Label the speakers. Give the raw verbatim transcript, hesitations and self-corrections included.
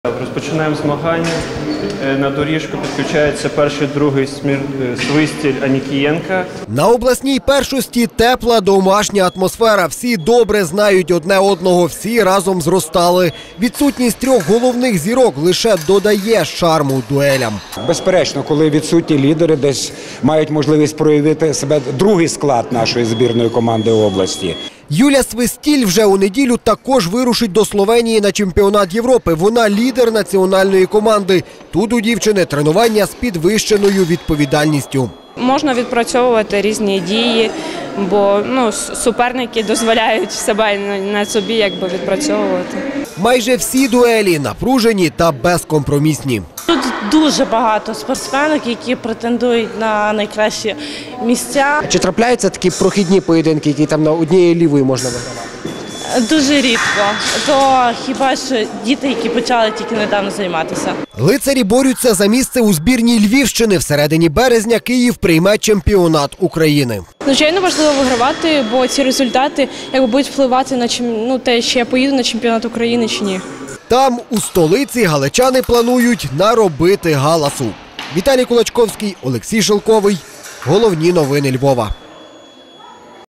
Speaker 1: Розпочинаємо змагання. На доріжку підключається перший, другий Свистіль Анікієнка.
Speaker 2: На обласній першості тепла домашня атмосфера. Всі добре знають одне одного, всі разом зростали. Відсутність трьох головних зірок лише додає шарму дуелям.
Speaker 3: Безперечно, коли відсутні лідери десь мають можливість проявити себе другий склад нашої збірної команди області.
Speaker 2: Юля Свистіль вже у неділю також вирушить до Словенії на чемпіонат Європи. Вона лідер національної команди. Тут у дівчини тренування з підвищеною відповідальністю.
Speaker 4: Можна відпрацьовувати різні дії, бо ну, суперники дозволяють себе на собі якби відпрацьовувати.
Speaker 2: Майже всі дуелі напружені та безкомпромісні.
Speaker 5: Тут дуже багато спортсменок, які претендують на найкращі місця.
Speaker 6: Чи трапляються такі прохідні поєдинки, які там на однієї лівої можна вигравати?
Speaker 5: Дуже рідко. То хіба що діти, які почали тільки недавно займатися.
Speaker 2: Лицарі борються за місце у збірній Львівщини. Всередині березня Київ прийме чемпіонат України.
Speaker 7: Звичайно, важливо вигравати, бо ці результати якби будуть впливати на ну, те, чи я поїду на чемпіонат України чи ні.
Speaker 2: Там, у столиці, галичани планують наробити галасу. Віталій Кулачковський, Олексій Шелковий. Головні новини Львова.